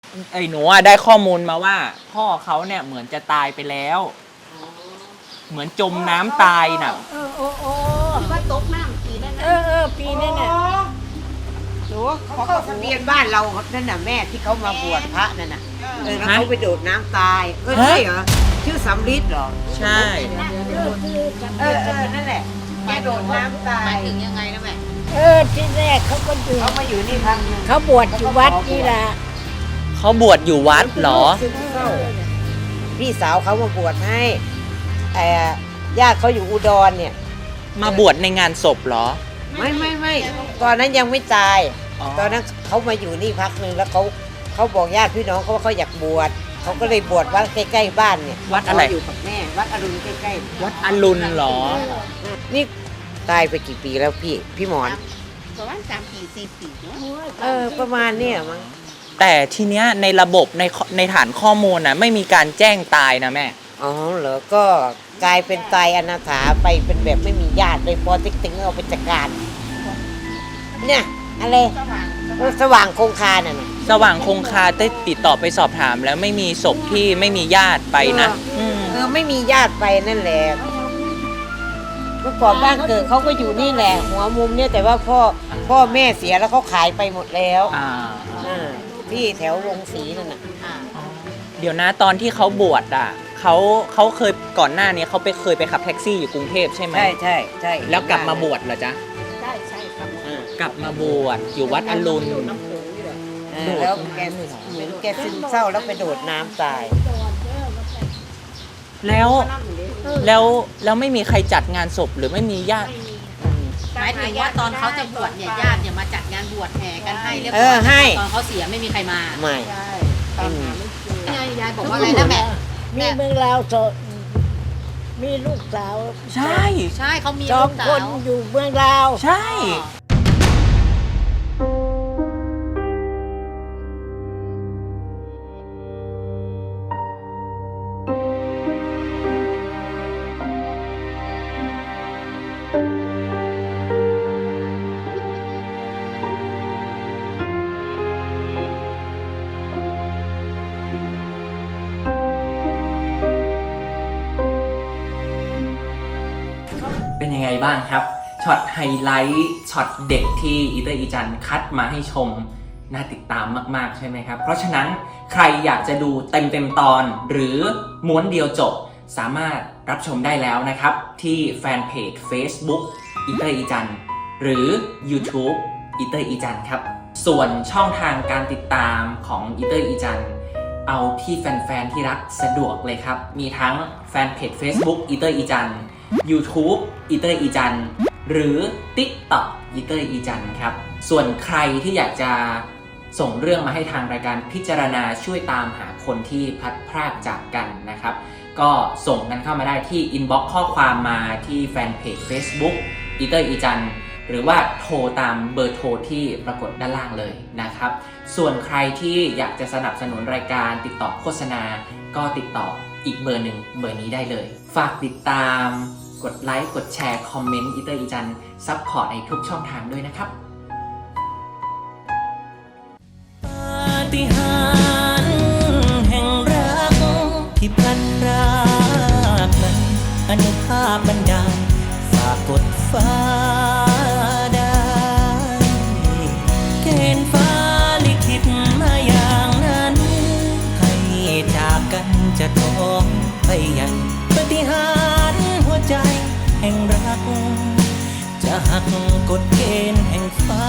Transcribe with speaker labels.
Speaker 1: ไอ้หนูได้ข้อมูลมาว่าพ่อเขาเนี่ยเหมือนจะตายไปแล้วเหมือนจมน้ำตายน่ะ
Speaker 2: ว่าตกน้ำปีนั่นนะ
Speaker 3: ปีนั่นน่ะ
Speaker 2: หนู
Speaker 3: เขาเข้าทะเบียนบ้านเรานั่นน่ะแม่ที่เขามาบวชพระนั่นน่ะแล้วเขาไปโดดน้ำตายใช่เหรอชื่อสำลิดเหรอ
Speaker 1: ใช่
Speaker 3: นั่นแหละแกโดดน้ำตา
Speaker 2: หมาย ยถึงยังไงนะแม่
Speaker 3: ที่แรกเขาก็อยู่เขามาอยู่นี่พักนึง
Speaker 4: เขาบวชอยู่วัดนี่แหละ
Speaker 1: เขาบวชอยู่วัดเหรอ
Speaker 3: พี่สาวเขามาบวชให้ญาติเขาอยู่อุดรเนี่ย
Speaker 1: มาบวชในงานศพเหรอ
Speaker 3: ไม่ตอนนั้นยังไม่ตายตอนนั้นเขามาอยู่นี่พักนึงแล้วเขาบอกญาติพี่น้องเขาว่าเขาอยากบวชเขาก็เลยบวชวัดใกล้ๆบ้านเนี่ย
Speaker 1: วัดอะไร
Speaker 3: อยู่กับแม่วัดอรุณใกล้
Speaker 1: ๆวัดอรุณเหรอ
Speaker 3: นี่ตายไปกี่ปีแล้วพี่หมอน
Speaker 2: ประมาณ3 ปี 4 ปีเนา
Speaker 3: ะประมาณเนี่ยมั้ง
Speaker 1: แต่ทีเนี้ยในระบบในฐานข้อมูลนะไม่มีการแจ้งตายนะแม่
Speaker 3: อ๋อเหรอก็กลายเป็นตายอนาถาไปเป็นแบบไม่มีญาติเลยพอติ๊กตึงเอาไปจัดการเนี่ยอะไรสว่างคงคาน่ะ
Speaker 1: สว่างคงคาได้ติดต่อไปสอบถามแล้วไม่มีศพที่ไม่มีญาติไปนะ
Speaker 3: ไม่มีญาติไปนั่นแหละเมื่อก่อนบ้านเกิดเขาก็อยู่นี่แหละหัวมุมเนี่ยแต่ว่าพ่อแม่เสียแล้วเขาขายไปหมดแล้วที่แถววงศรีนั่นน่ะ
Speaker 1: เดี๋ยวนะตอนที่เขาบวชอ่ะเขาเคยก่อนหน้านี้เขาเคยไปขับแท็กซี่อยู่กรุงเทพใช่ไหม
Speaker 3: ใช่
Speaker 1: แล้วกลับมาบวชเหรอจ๊ะ
Speaker 2: ใช่ครับ
Speaker 1: กลับมาบวชอยู่วัดอรุณ
Speaker 3: แล้วแกซึมเศร้าแล้วไปโดดน้ำตาย
Speaker 1: แล้วไม่มีใครจัดงานศพหรือไม่มีญาติ
Speaker 2: หมายถึงว่าตอนเขาจะบวชเนี่ยญาติเนี่ยมาจัดงานบวชแห่กันให้เรียบร้อยตอนเขาเสียไม่มีใครมา
Speaker 3: ไม่
Speaker 2: ยายบอกว่าอะไรนะแม่
Speaker 4: มีเมืองลาวมีลูกสาว
Speaker 1: ใช่
Speaker 2: เขามี
Speaker 4: ลูกสาว2 คนอยู่เมืองลาว
Speaker 1: ใช่เป็นยังไงบ้างครับช็อตไฮไลท์ช็อตเด็กที่อีเตอร์อีจันคัดมาให้ชมน่าติดตามมากๆใช่ไหมครับเพราะฉะนั้นใครอยากจะดูเต็มตอนหรือม้วนเดียวจบสามารถรับชมได้แล้วนะครับที่แฟนเพจ Facebook อีเตอร์อีจันหรือ YouTube อีเตอร์อีจันครับส่วนช่องทางการติดตามของอีเตอร์อีจันเอาที่แฟนๆที่รักสะดวกเลยครับมีทั้งแฟนเพจ Facebook อีเตอร์อีจันYouTube อีเตอร์อีจันหรือ TikTok อีเตอร์อีจันครับส่วนใครที่อยากจะส่งเรื่องมาให้ทางรายการพิจารณาช่วยตามหาคนที่พลัดพรากจากกันนะครับก็ส่งกันเข้ามาได้ที่ inbox ข้อความมาที่แฟนเพจ Facebook อีเตอร์อีจันหรือว่าโทรตามเบอร์โทรที่ปรากฏด้านล่างเลยนะครับส่วนใครที่อยากจะสนับสนุนรายการติดต่อโฆษณาก็ติดต่ออีกเบอร์หนึ่งเบอร์นี้ได้เลยฝากติดตามกดไลค์กดแชร์คอมเมนต์อีเตอร์อีจันซัพพอร์ตในทุกช่องทางด้วยนะครับปาฏิหาริย์แห่งรักที่พลันพรากนั้นอนุภาพบันดาลฝากกดฟ้าได้เกณฑ์ฟ้าลิขิตมาอย่างนั้นให้จากกันจะท้องไปยังปาฏิหาริย์หัวใจแห่งรักจะหักกฎเกณฑ์แห่งฟ้า